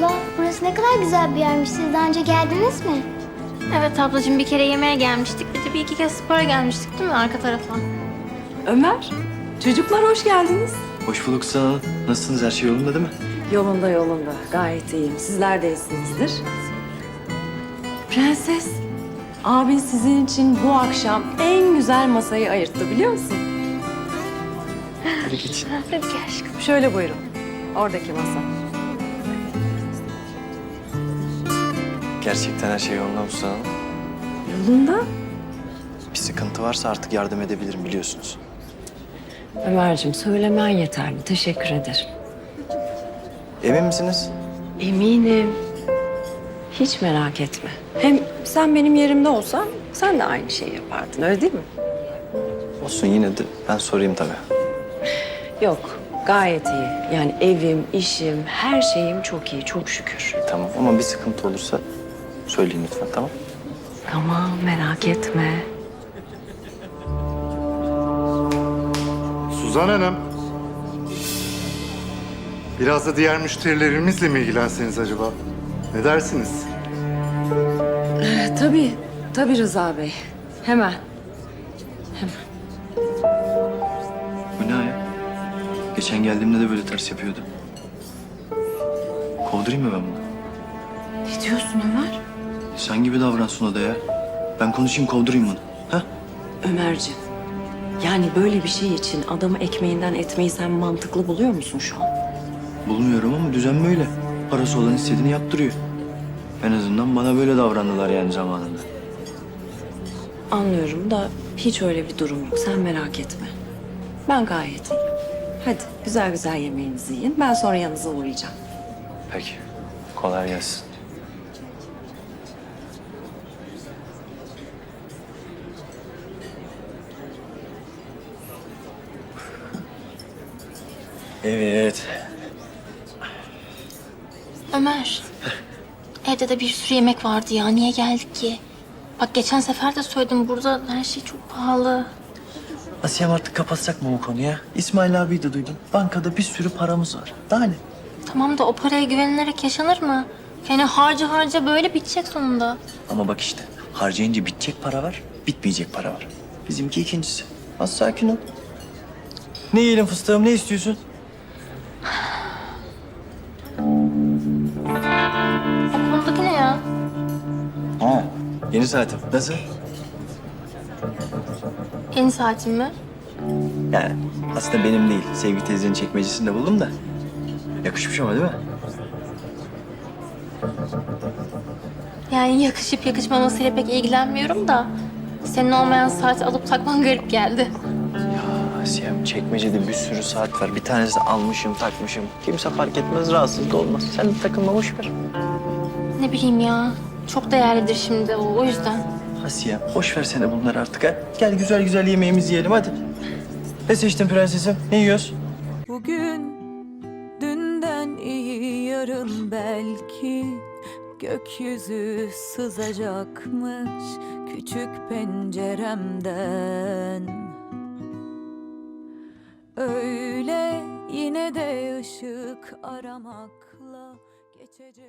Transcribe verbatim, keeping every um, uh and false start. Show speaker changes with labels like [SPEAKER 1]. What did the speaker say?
[SPEAKER 1] abla, burası ne kadar güzel bir yermiş. Siz daha önce geldiniz mi?
[SPEAKER 2] Evet ablacığım, bir kere yemeğe gelmiştik. Bir de bir iki kez spora gelmiştik değil mi arka tarafa?
[SPEAKER 3] Ömer, çocuklar hoş geldiniz.
[SPEAKER 4] Hoş bulduk sağ olun. Nasılsınız? Her şey yolunda değil mi?
[SPEAKER 3] Yolunda yolunda, gayet iyiyim. Sizler de iyisinizdir. Prenses, abin sizin için bu akşam en güzel masayı ayırttı biliyor musun?
[SPEAKER 4] Hadi geç.
[SPEAKER 2] Hadi gel aşkım.
[SPEAKER 3] Şöyle buyurun, oradaki masa.
[SPEAKER 4] Gerçekten her şey yolunda mı sağ olun?
[SPEAKER 3] Yolunda.
[SPEAKER 4] Bir sıkıntı varsa artık yardım edebilirim biliyorsunuz.
[SPEAKER 3] Ömerciğim, söylemen yeterli. Teşekkür ederim.
[SPEAKER 4] Emin misiniz?
[SPEAKER 3] Eminim. Hiç merak etme. Hem sen benim yerimde olsan sen de aynı şeyi yapardın, öyle değil mi?
[SPEAKER 4] Olsun yine de ben sorayım tabii.
[SPEAKER 3] Yok, gayet iyi. Yani evim, işim, her şeyim çok iyi, çok şükür.
[SPEAKER 4] Tamam ama bir sıkıntı olursa söyleyin lütfen tamam?
[SPEAKER 3] Tamam, merak etme.
[SPEAKER 5] Suzan Hanım. Biraz da diğer müşterilerimizle mi ilgilenseniz acaba? Ne dersiniz?
[SPEAKER 3] Ee, tabii, tabii Rıza Bey. Hemen.
[SPEAKER 4] Bu ne ya? Geçen geldiğimde de böyle ters yapıyordu. Kovdurayım mı ben bunu?
[SPEAKER 3] Ne diyorsun Ömer?
[SPEAKER 4] Sen gibi davransın o da ya. Ben konuşayım kovdurayım bunu. Ha?
[SPEAKER 3] Ömerciğim, yani böyle bir şey için adamı ekmeğinden etmeyi sen mantıklı buluyor musun şu an?
[SPEAKER 4] Bulmuyorum ama düzen böyle. Parası olan istediğini yaptırıyor. En azından bana böyle davrandılar yani zamanında.
[SPEAKER 3] Anlıyorum da hiç öyle bir durum yok. Sen merak etme. Ben gayet iyiyim. Hadi güzel güzel yemeğinizi yiyin. Ben sonra yanınıza uğrayacağım.
[SPEAKER 4] Peki. Kolay gelsin. Evet.
[SPEAKER 2] Ömer, evde de bir sürü yemek vardı ya. Niye geldik ki? Bak geçen sefer de söyledim, burada her şey çok pahalı.
[SPEAKER 4] Asiyem artık kapatsak mı bu konuyu? İsmail abiyi de duydum. Bankada bir sürü paramız var. Daha ne?
[SPEAKER 2] Tamam da o paraya güvenilerek yaşanır mı? Yani harca harca böyle bitecek sonunda.
[SPEAKER 4] Ama bak işte harcayınca bitecek para var, bitmeyecek para var. Bizimki ikincisi. Az sakin ol. Ne yiyelim fıstığım, ne istiyorsun?
[SPEAKER 2] O konudaki ne ya?
[SPEAKER 4] Ha, yeni saatim. Nasıl?
[SPEAKER 2] Yeni saatin mi?
[SPEAKER 4] Yani aslında benim değil. Sevgi teyzenin çekmecesinde buldum da. Yakışmış ama değil mi?
[SPEAKER 2] Yani yakışıp yakışmamasıyla pek ilgilenmiyorum da... ...senin olmayan saati alıp takman garip geldi.
[SPEAKER 4] Asiyem çekmecede bir sürü saat var. Bir tanesi almışım, takmışım. Kimse fark etmez, rahatsız da olmaz. Sen de takılma, boş ver.
[SPEAKER 2] Ne bileyim ya. Çok değerlidir şimdi o, o yüzden.
[SPEAKER 4] Asiyem, boş ver sene bunları artık ha. Gel güzel güzel yemeğimizi yiyelim hadi. Ne seçtin prensesim? Ne yiyoruz?
[SPEAKER 6] Bugün dünden iyi yarın belki gökyüzü sızacakmış küçük penceremden. Öyle yine de ışık aramakla geçecek.